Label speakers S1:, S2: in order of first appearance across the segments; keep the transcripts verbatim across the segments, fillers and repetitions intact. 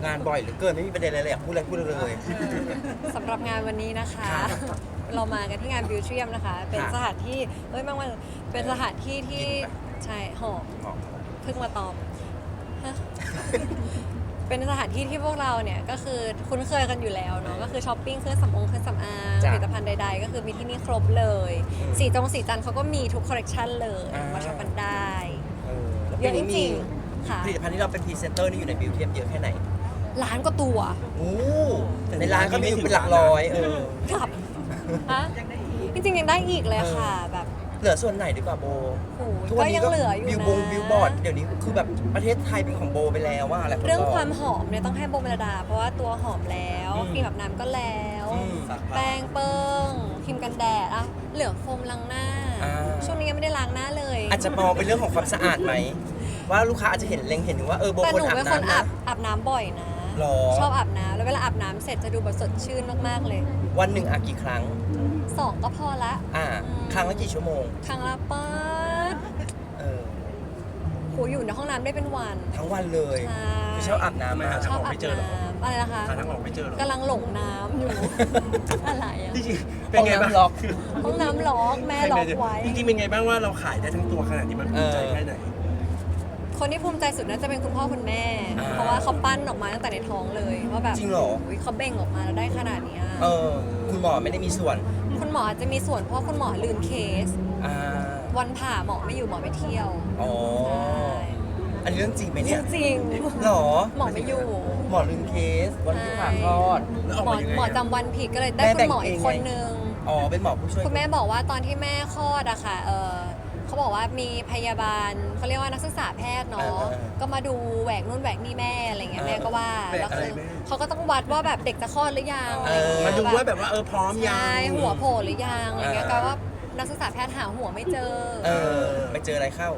S1: งานบ่อยเหลือเกินไม่มีประเด็นอะไรเลยอยากพูดอะไรพูดเลย
S2: สำหรับงานวันนี้นะคะ เรามากันที่งานบิวเทียมนะคะ เป็นสถานที่เอ้ยบางวันเป็นสถานที่ที่ใช่หอมเพิ่งมาตอบฮะ เป็นสถานที่ที่พวกเราเนี่ยก็คือคุ้นเคยกันอยู่แล้วเนาะก็คือช้อปปิ้งเครื่องสำอางเครื่องสำอางผลิตภัณฑ์ใดๆก็คือมีที่นี่ครบเลยสีจงสีจันทร์เขาก็มีทุกคอลเลกชันเลยมาช็อปกันได้เยอะจริงๆค่ะ
S1: ผลิตภัณฑ์ที่เราเป็นพรีเซนเตอร์นี่อยู่ในบิวเทียมเยอะแค่ไหน
S2: ล้านกว่าตัว
S1: โอ้ในร้านก็มีอยู่เป็นหลักร้อยเออ
S2: ครับฮะจริงๆยังได้อีกเลยค่ะแบบ
S1: เหลือส่วนไหนดีกว่าโบ
S2: โอ้โห
S1: ทุกวัน
S2: ก็
S1: นี้
S2: ยัง
S1: ก็
S2: เหลืออยู่
S1: บิว
S2: นะ
S1: บงบิวบอร์ดเดี๋ยวนี้คือแบบประเทศไทยเป็นของโบไปแล้วว่าอะไร
S2: เรื่องความหอมเนี่ยต้องให้โบเมลดา เพราะว่าตัวหอมแล้วครีมแบบน้ำก็แล้ว แป้งเปิ้งครีมกันแดดอ่ะเหลือโฟมล้างหน้า ช่วงนี้ยังไม่ได้ล้างหน้าเลย
S1: อาจจะมองเป็นเรื่องของความสะอาดไหมว่าลูกค้าอาจจะเห็นเล็งเห็นถึงว่าเออโบ
S2: แต่
S1: ค
S2: ห
S1: น
S2: นู
S1: อาบ
S2: เป็นคน
S1: น้ำ
S2: อา
S1: นะ
S2: บอาบน้ำบ่อยนะ
S1: หรอ
S2: ชอบอาบน้ำแล้วเวลาอาบน้ำเสร็จจะดูแบบสดชื่นมากๆเลย
S1: วันหนึ่งอาบกี่ครั้ง
S2: สองก็พอละ
S1: อ่า
S2: อืม
S1: ครั้งละกี่ชั่วโมง
S2: ครั้งละป๊าด
S1: เออ
S2: โหอยู่ในห้องน้ำได้เป็นวัน
S1: ทั้งวันเลย
S2: ใช่
S1: คือชอบอาบน้ำ
S3: ไม่
S1: มา
S3: หา
S2: ช
S3: ทาง
S2: อบ
S3: ออก
S2: อา
S3: ไม่
S2: บ
S3: เจอหรอ
S2: น้ำอะไรนะคะ
S3: หาทางออกไม่เจอหรอก
S2: ำลังหลงน้ำอยู่ อะไรอะ
S3: จริงๆเป็นไงบ้าง
S1: ห้องน้ำล็อก
S2: ห้องน้ำล็อกแม่ล็อกไว้
S3: จริงๆเป็นไงบ้างว่าเราขายได้ทั้งตัวขนาดนี้มันภูมิใจแค่ไหน
S2: คนที่ภูมิใจสุดน่าจะเป็นคุณพ่อคุณแม่
S1: อ่า
S2: เพราะว่าเขาปั้นออกมาตั้งแต่ในท้องเลยว่าแบบ
S1: จริงเหรอ
S2: ยเขาเบ่งออกมาแล้วได้ขนาดเนี้ย
S1: เออคุณหมอไม่ได้มีส่วน
S2: คุณหมออาจจะมีส่วนเพราะคุณหมอลืมเคส
S1: อ่า
S2: วันผ่าหมอไม่อยู่หมอไปเที่ยว
S1: อ๋อ
S2: ใช่
S1: อันนี้เรื่องจริงไหมเนี่ย
S2: จริง
S1: หรอ
S2: หมอไม่อยู่
S1: หมอลืมเคสวันที่ผ่าคลอด
S3: แล้วออก
S2: หมอ
S3: มายังไง
S2: หมอ
S3: อะ
S2: จำวันผิดก็เลยได้
S1: แม่
S2: คุ
S1: แบ่
S2: ณ
S1: ง
S2: หมออีก
S1: เอง
S2: คน
S1: ไง
S2: นึง
S1: อ๋อเป็นหมอผู้ช่วย
S2: คุณแม่บอกว่าตอนที่แม่คลอดอะค่ะเออเขาบอกว่ามีพยาบาลเขาเรียกว่านักศึกษาแพทย์เนาะก็มาดูแหวกนู่นแหวกนี่แม่อะไรเงี้ยแม่ก็ว่า
S3: แหวก
S2: แล้ว
S3: อะไร
S2: คือ
S3: แม่
S2: เขาก็ต้องวัดว่าแบบเด็กจะคลอดหรือยัง
S1: เออ
S3: มาดูว่าแบบว่าเออพร้อมยัง
S2: ใช่หัวโผล่หรือยังอะไรเงี้ย
S1: เออ
S2: ก็ว่านักศึกษาแพทย์หาหัวไม่เจอ
S1: เออไปเจออะไรเข้า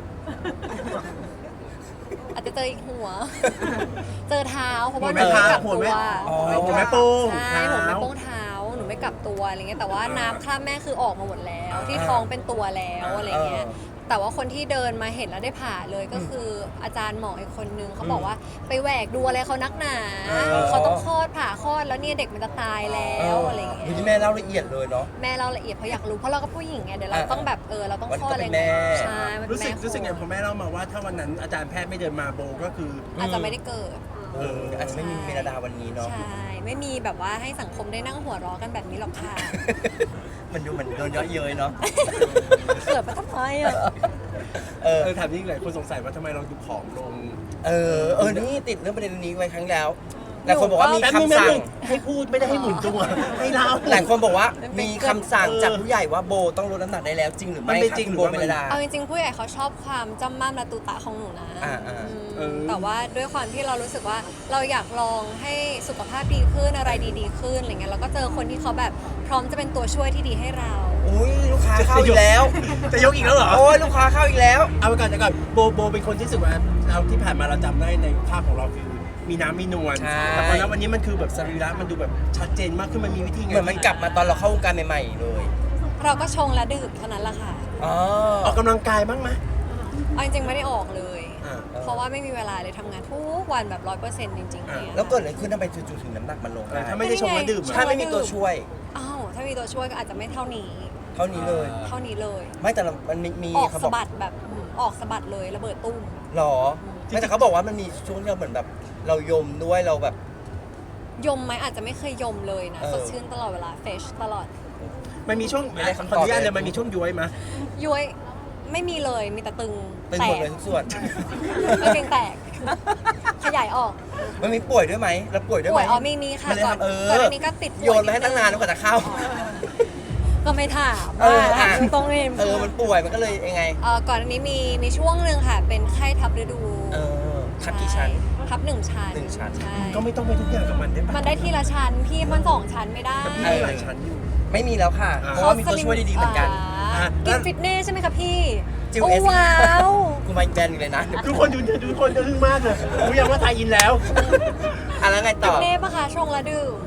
S2: อาจจะเจออีกหัว เจอเท้าเพราะว่าห
S3: หั
S2: นู
S3: วแม่
S2: ไม่กลับ
S3: หัว
S2: ตั
S3: แม่
S2: ว
S1: อ๋อ
S3: หัวแม่โป้ง
S2: ใช่
S3: เท้า
S2: หัวแม่โป้งเท้าหนูไม่กลับตัวอะไรเงี้ยแต่ว่าน้ำคราบแม่คือออกมาหมดแล้ว ที่ท้องเป็นตัวแล้วอะไรเงี้ยแต่ว่าคนที่เดินมาเห็นแล้วได้ผ่าเลยก็คืออาจารย์หมออีกคนนึงเขาบอกว่าไปแหวกดูอะไรเขานักหนา เขาต้องคลอดผ่าคลอดแล้วเนี่ยเด็กมันจะตายแล้วอะไรเงี้ย
S1: ที่แม่เล่าละเอียดเลยเนาะ
S2: แม่เราละเอียดเพราะอยากรู้เพราะเราก็ผู้หญิงไงเดี๋ยวเรา
S1: อ่า
S2: ต้องแบบเออเราต้อง
S1: วัน
S2: ค
S1: นี้
S2: ลอด
S1: ก็
S2: อะไร
S1: เป็นแม่
S2: ใช่มันเป็
S3: รู้
S2: น
S3: สึ
S2: แม่
S3: กรู้สึกไงพอแม่เล่ามาว่าถ้าวันนั้นอาจารย์แพทย์ไม่เดินมาโบก็คือ
S2: อาจจะไม่ได้เกิด
S1: เอออาจจะไม่มีเมลดาวันนี้เนาะ
S2: ใช่ ไม่มีแบบว่าให้สังคมได้นั่งหัวเราะกันแบบนี้หรอกค่ะ
S1: มันดูเหมือนโดนเยาะเย้ยเนาะ
S2: เกิดมาทำไมอ่ะ
S1: เออ
S3: เออถามนี่หลายคนสงสัยว่าทำไมเราดูผอมลง
S1: เออ เออ นี่ติดเรื่องประเด็นนี้ไว้ครั้งแล้วหลายคนบอกว่ามี
S3: แป๊บนึง
S1: คำสั่ง
S3: แป๊บนึงให้พูดไม่ได้ให้หมุนตัวให้เล่า
S1: หลายคนบอกว่ามีคำสั่ง
S3: เออ
S1: จากผู้ใหญ่ว่าโบต้องลดน้ำหนักได้แล้วจริงหรือ
S3: มัน
S1: ไม่
S3: เป็น
S1: ครับ
S3: จริง
S1: คุณ
S3: หรือ
S1: โบ
S3: ว่า
S1: เม
S3: มัน
S1: ลดา
S2: เอาจริงๆผู้ใหญ่เขาชอบความจำม่ำและตุตะของหนูนะ
S1: อ่าอ่า
S2: อืม
S3: เออ
S2: แต่ว่าด้วยความที่เรารู้สึกว่าเราอยากลองให้สุขภาพดีขึ้นอะไรดีๆขึ้นอะไรเงี้ยแล้วก็เจอคนที่เขาแบบพร้อมจะเป็นตัวช่วยที่ดีให้เรา
S1: อุ้ยลูกค้าเข้าอีกแล้ว
S3: จะยกอีกแล้วเหรอ
S1: โอ้ยลูกค้าเข้าอีกแล้ว
S3: เอาไปก่อนเดี๋ยวก่อนโบโบเป็นคนที่รู้สึกว่าเราที่ผ่านมาเราจำได้ในภาพของเราคือมีน้ำมีนวล
S1: ใช่
S3: แต่พอแล้ววันนี้มันคือแบบสรีระมันดูแบบชัดเจนมากขึ้นมันมีวิธีไง
S1: เหมือนมันกลับมาตอนเราเข้าวงการใหม่ๆเลย
S2: เราก็ชงและดื่มเท่านั้นแหละค่ะ
S1: อ๋อ
S3: ออกกำลังกายบ้างไหม
S2: เอาจริงๆไม่ได้ออกเลย
S3: อ่า
S2: เพราะว่าไม่มีเวลาเลยทำงานทุกวันแบบร้อยเปอร์เซ็นต์จริงๆเนี่ย
S1: แล้วเกิดอะไรขึ้นทำไมจู่ๆถึงน้ำหนักมันลงได้
S3: ถ้าไม่ได้ชงแล้วดื่ม
S1: ถ้า
S3: อะ
S1: ไม่มีตัวช่วย
S2: อ้าวถ้ามีตัวช่วยก็อาจจะไม่เท่านี้
S1: เท่านี้เลย
S2: เท่านี้เลย
S1: ไม่แต่เรามันมีมี
S2: ออก
S1: เขาบ
S2: สะ
S1: อก
S2: บัดแบบอืมออกสะบัดเลยระเบิดตุ้ม
S1: หรอไม่แต่เขาบอกว่ามันมีช่วงที่เราเหมือนแบบ เรายมด้วยเราแบบ
S2: ยมไหมอาจจะไม่เคยยมเลยนะ
S1: เออ
S2: สดชื่นตลอดเวลาเฟชตลอด
S3: มันมีช่วง
S1: ไม่ได้คำตอบ
S3: ขออนุญาตเลยมันมีช่วงย้วยไหม
S2: ย้วยไม่มีเลยมีแต่ตึง
S1: ตึง
S2: แต
S1: หมด
S2: ก
S1: เลยทุกส่วน
S2: ไม่เพียงแตก ขยายออก
S1: มันมีป่วยด้วยไหมเราป่วยด้วย
S2: ป่
S1: ไหม
S2: วยอ๋อมีมีค่ะ
S1: มันเลย
S2: ก่อน
S1: ทำเออ
S2: ก่อนอันนี้ก็ติดป่วย
S1: โยนมาให้ตั้งนานแล้วกว่าจะเข้า
S2: ก็ไม่ถาม
S1: เออ
S2: ว่า
S1: อ่ะ
S2: ตรงนี้
S1: เออมันป่วยมันก็เลยยังไง
S2: เอ่อก่อนอันนี้มีมีช่วงหนึ่งค่ะ เป็นไข้ทับฤดู
S1: เออทับกี่ชั้น
S2: ใทับหนึ่งชั้น
S1: หนึ่งชั้น
S2: ใช่
S3: ก็ไม่ต้องไปทุกอย่างกับมันได้ปะ
S2: มันได้ทีละชั้นพี่มันสองชั้นไม่ได้
S3: แต่พี่มีหลายชั้นอยู่
S1: ไม่มีแล้วค่ะ
S3: อ่า
S1: เพราะว่ามีตัวช่วยดีๆเหมือนกัน
S2: อ่ากินฟิตเนสใช่ไหมคะพี่
S1: จิว
S2: โอ้
S1: เอส
S2: ว้าว
S1: กูมาอีกแบรนด์อยู่เลยนะ
S3: ทุกคนดูทุกคนจะทึ่งมากเลยรู้ยังว่าไทยอินแล้ว
S1: อ่ะแล้วไง
S2: ฟิ
S1: ต่อ
S2: ตเนสปะคะช่วงละดื่ม
S1: เพ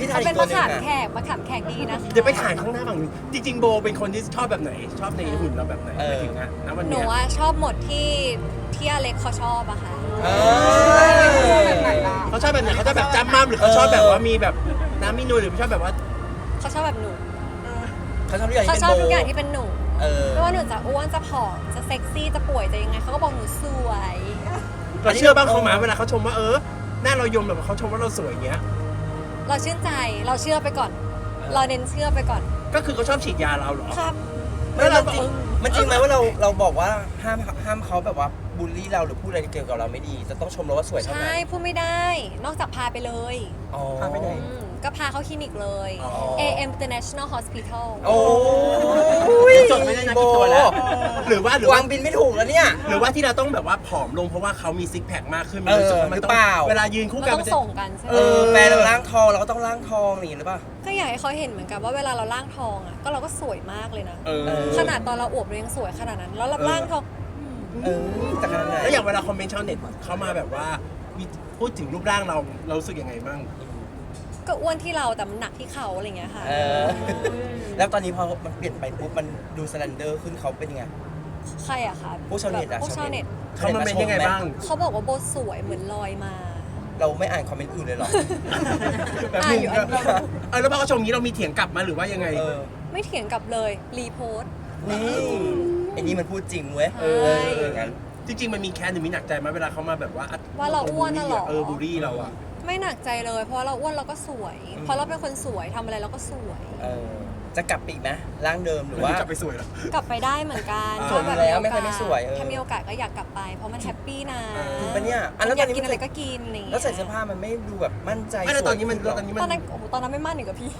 S1: พี่ไท
S2: เขา
S1: ย
S2: เป็น
S1: ตัว
S2: มะ
S1: หนึง
S2: ขาม
S1: อะ
S2: แขกมะขามแขกดีนะคะ
S3: เดี๋ยวไปถ่ายข้างหน้าฝั่งนู้นจริงๆโบเป็นคนที่ชอบแบบไหน ชอบในหุ่นเราแบบไหนหมายถึงอะณวัน
S2: หนู
S3: เนี้ย
S2: ว่าชอบหมดที่ที่อเล็กเขาชอบอะค่ะ
S1: เออ
S3: เขาชอบแบบไหนเขาชอบแบบจำมั่มหรือเขาชอบแบบว่ามีแบบน้ำมีนูนหรือเขาชอบแบบว่า
S2: เขาชอบแบบหนู
S1: เขาชอบทุกอย่าง
S2: เขา
S1: ที่
S2: ช
S1: เป็น
S2: อบ
S1: โบ
S2: ทุกอย่างที่เป็นหนู
S1: เออ
S2: ไม่ว่าหนูจะอ้วนจะผอมจะเซ็กซี่จะป่วยจะยังไงเขาก็บอกหนูสวย
S3: เราเชื่อบ้างเขาไหมาเวลาเขาชมว่าเออหน้าเรายมแบบเขาชมว่าเราสวยอย่างเงี้ย
S2: เราชื่นใจเราเชื่อไปก่อน เราเน้นเชื่อไปก่อน
S3: ก็คือเขาชอบฉีดยาเราเหรอ
S2: ครับ
S1: ไม่เราจริงมันจริงไหมว่าเราเราบอกว่าห้ามห้ามเขาแบบว่าบูลลี่เราหรือพูดอะไรเกี่ยวกับเราไม่ดี จะต้องชมเราว่าสวยเท่านั้
S2: ใช่
S1: น
S2: พูดไม่ได้ นอกจากพาไปเลย
S1: อ๋อ
S3: พาไปไหน
S2: อืมก็พาเข้าคลินิกเลย
S1: อ๋อ
S2: เอ เอ็ม International Hospital
S1: โอ้ย
S3: จดไม่ได้นะกี่ตัวแล้ว หรือว่าหรือ
S1: วา
S3: ว่า
S1: งบินไม่ถูกแล้วเนี่ย
S3: หรือว่าที่เราต้องแบบว่าผอมลงเพราะว่าเขามีซิกแพคมากขึ้น
S1: เออ
S3: รู้สึกว่ามัน
S1: หรือ
S3: ต้อ
S1: เป
S3: ง
S1: ล่า
S3: เวลายืนคู่
S2: เรา
S3: กัน
S2: ต้อ
S3: มัน
S2: ง
S3: จะ
S2: ส่งกันใช่ไหม
S1: เออแฟนเราล่างทองเราก็ต้องล่างทองอย่างนี้หรือเปล่า
S2: ก็อยากให้เขาเห็นเหมือนกันว่าเวลาเราล่างทองอ่ะก็เราก็สวยมากเลยนะ
S3: เออ
S1: เออ
S2: ขนาดตอนเราอวบเรายังสวยขนาดนั้น แล้วเรา
S3: เออ
S2: ล่างทอง
S1: เออจากขนาดไหน
S3: แล้วอย่างเวลาคอมเมนต์ชาวเน็ตเขามาแบบว่ามีพูดถึงรูปร่างเราเรารู้สึกยังไงบ้าง
S2: ก็อ้วนที่เราแต่มันหนักที่เขาอะไรอย่างเงี้ยค่ะ
S1: เออ แล้วตอนนี้พอมันเปลี่ยนไปปุ๊บมันดูสแลนเดอร์ขึ้นเขาเป็นยังไง
S2: ใครอะคะ
S1: ผู้ชาวเน็ตอะ
S2: ผู้ชาวเน็ต
S3: เขามาเป็นยังไงบ้าง
S2: เขาบอกว่าโบสวยเหมือนลอยมา
S1: เราไม่อ่านคอมเมนต์อื่นเลยเหรอ
S3: แบบนึง
S2: อ่ะอยู่อันเดียว
S3: เออแล้วพอเขาชมนี้เรามีเถียงกลับมาหรือว่ายังไง
S1: เออ
S2: ไม่เถียงกลับเลยรีโพสต์
S1: นี่ไอ้นี่มันพูดจริงเว้ย
S2: ใช่
S1: เอออย่างนั้น
S3: จริงๆมันมีแค้นหรือมีหนักใจไหมเวลาเขามาแบบว่า
S2: ว่าเราอ้วนน่ะเหรอ
S3: เออบูลลี่เราอะ
S2: ไม่หนักใจเลย เพราะว่าเราอ้วนเราก็สวย เพราะเราเป็นคนสวยทำอะไรเราก็สวย
S1: เออ จะกลับไปอีกไหมร่างเดิมหรือ
S3: หรือ
S1: ว่า
S3: ว่ากลับไปสวยเหรอก
S2: ลับไปได้เหมือนกัน
S3: สวยอยู่
S1: แล้วไม่เคยไม่สวยเออ
S2: ถ้ามีโอกาสก็อยากกลับไป เพราะมันแฮปปี้นะ
S1: จริงปะเนี่ยอันแล้ว
S2: อ
S1: ต
S2: ยา
S1: อก นนี้
S2: กิน
S1: มัน
S2: อะไรก็กินอะไรอย่าง
S1: แล้
S2: เงี้
S1: วย ใส่เสื้อผ้ามันไม่ดูแบบมั่นใจ
S3: ไม่แล้วตอนนี้มัน
S1: สวย
S3: ตอนนี้
S2: ต
S3: มั
S2: อน
S3: น
S2: นั้นโอ้โหตอนนั้นไม่มั่นหนึ่งกับพี่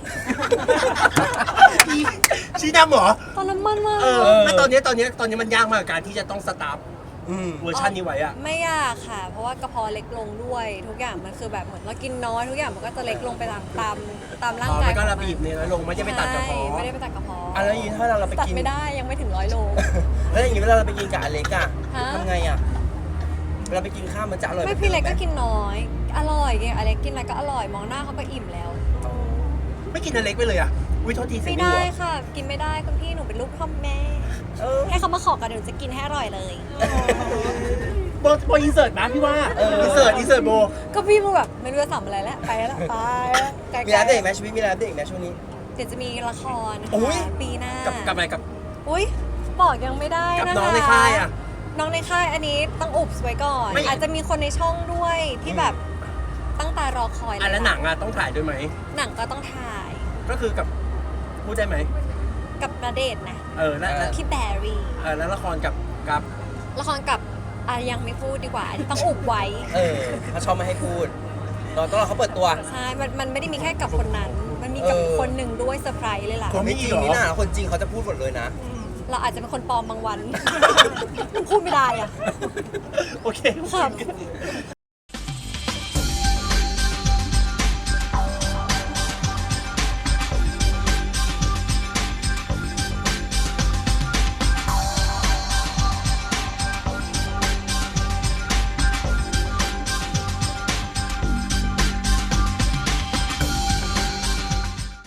S3: ชี้ดำเหรอ
S2: ตอนนั้นมั่นมาก
S3: เออไม่ตอนนี้ตอนนี้ตอนนี้มันยากมากกับการที่จะต้องสตาร์ฟ
S1: อืม
S3: เวอร์ชันนี้ไว้อะ
S2: ไม่ยากค่ะ เพราะว่ากระเพาะเล็กลงด้วย ทุกอย่างมันคือแบบเหมือนเรากินน้อยทุกอย่างมันก็จะเล็กลงไปตามตามตามร่าง
S3: อ๋อก
S2: าย
S3: มันก็
S2: ของ
S3: ระบีบเนี่ยนะลงไม่ได้ไปตัดกระเพาะ
S2: ใช่ไม่ได้ไปตัดกระเพาะ
S1: อ่ะแล้วอย่างนี้ถ้าเราเราไป
S2: ตัด
S1: กิน
S2: ไม่ได้ยังไม่ถึงร้อยโล
S1: แล้วอย่างนี้เวลาเราไปกินกับอเล็กอะ
S2: ฮะ
S1: ทำไงอะเวลาไปกินข้าวมันจะอร่อย
S2: ไม่พี่เล็กก็กินน้อย อร่อยไงอเล็กกินอะไรก็อร่อยมองหน้าเขาก็อิ่มแล้ว
S3: ไม่กินอันเล็กไปเลยอะอุ้ยโทษทีเสีย
S2: ไม่
S3: ง
S2: ได้
S3: หัว
S2: ค่ะ กินไม่ได้คุณพี่หนูเป็นลูกพ่อแม่
S1: เออ
S2: ให้เขามาขอกันเดี๋ยวหนูจะกินให้อร่อยเลย
S3: โบโบอินเสิร์ตนะพี่ว่าอินเสิร์ตอินเสิร์ตโบ
S2: ก็พี่มึงแบบไม่รู้จะทำอะไรแล้วไปแล้วไปแล้วไกลๆ
S1: มีร้านเด็กไหมชีวิตมีร้านเด็กไหมช่วงนี้
S2: เดี๋ยวจะมีละคร
S1: อุ๊ย
S2: ค่ะปีหน้า
S3: กับกับอะไรกับ
S2: อุ้ยบอกยังไม่ได้
S3: กับ
S2: นะคะ
S3: น้องในค่ายอะ
S2: น้องในค่ายอันนี้ต้องอุบไว้ก่อน
S3: ไม่
S2: อาจจะมีคนในช่องด้วยที่แบบตั้งตารอคอย
S3: อ่ะแล้วหนังอะต้องถ่ายด้วยไหม
S2: หนังก็ต้องถ่าย
S3: ก็คือกับพูดได้ไหม
S2: กับณเดชน์นะ
S3: เออแล้วแล้ว
S2: พี่แบรี่
S3: เออแล้วละครกับกับ
S2: ละครกับอ่ะยังไม่พูดดีกว่าอันนี้ต้องอุบไว้
S1: เออเขาชอบไม่ให้พูดเราต้องรอเขาเปิดตัว
S2: ใช่ มันมันไม่ได้มีแค่กับคนนั้น มันมีกับ
S1: เออ
S2: คนหนึ่งด้วยเซอร์ไพรส์เลยล่ะ
S1: คนไม่จริงนี่นะคนจริงเขาจะพูดหมดเลยนะ
S2: เราอาจจะเป็นคนปลอมบางวัน พูดไม่ได้อ่ะ
S3: โอเค
S2: ครับ